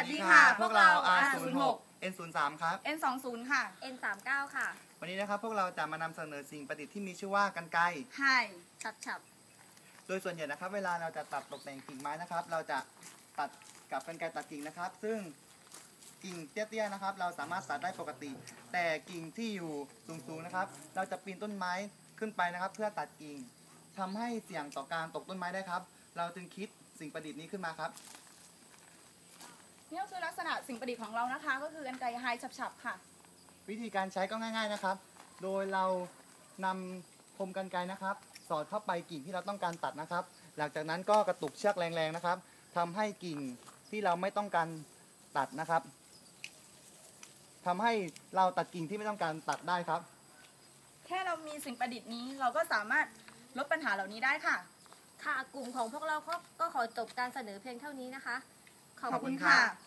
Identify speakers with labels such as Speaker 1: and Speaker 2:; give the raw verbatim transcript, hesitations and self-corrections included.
Speaker 1: วัสดีค่ะพวกเรา อาร์
Speaker 2: ศู
Speaker 1: ศู
Speaker 2: น
Speaker 1: น
Speaker 2: ย์
Speaker 1: ย์
Speaker 2: ห
Speaker 1: ห
Speaker 2: ก
Speaker 1: ก
Speaker 2: เอ็น ศูนย์ สาม ครับ
Speaker 1: เอ็น สองศูนย์ ค่ะ
Speaker 3: เอ็น สามสิบเก้า ค่ะ
Speaker 2: วันนี้นะครับพวกเราจะมานำเสนอสิ่งประดิษฐ์ที่มีชื่อว่ากรรไกร
Speaker 1: ไฮ
Speaker 3: ฉับฉับ
Speaker 2: โดยส่วนใหญ่นะครับเวลาเราจะตัดตกแต่งกิ่งไม้นะครับ เราจะตัดกับกรรไกรตัดกิ่งนะครับ ซึ่งกิ่งเตี้ยๆนะครับ เราสามารถตัดได้ปกติ แต่กิ่งที่อยู่สูงๆนะครับ เราจะปีนต้นไม้ขึ้นไปนะครับ เพื่อตัดกิ่งทำให้เสี่ยงต่อการตกต้นไม้ได้ครับ เราจึงคิดสิ่งประดิษฐ์นี้ขึ้นมาครับ
Speaker 1: นี่ก็คือลักษณะสิ่งประดิษฐ์ของเรานะคะ ก็คือกรรไกรไฮฉับๆค่ะ
Speaker 2: วิธีการใช้ก็ง่ายๆนะครับ โดยเรานำคมกรรไกรนะครับ สอดเข้าไปกิ่งที่เราต้องการตัดนะครับ หลังจากนั้นก็กระตุกเชือกแรงๆนะครับทำให้กิ่งที่เราไม่ต้องการตัดนะครับทำให้เราตัดกิ่งที่ไม่ต้องการตัดได้ครับ
Speaker 1: แค่เรามีสิ่งประดิษฐ์นี้เราก็สามารถลดปัญหาเหล่านี้ได้ค่ะ
Speaker 3: ค่ะ กลุ่มของพวกเราก็ก็ขอจบการเสนอเพียงเท่านี้นะคะ ขอบ
Speaker 2: ขอบคุ
Speaker 3: คุณ ณ
Speaker 2: ค่ะ
Speaker 3: ค่ะ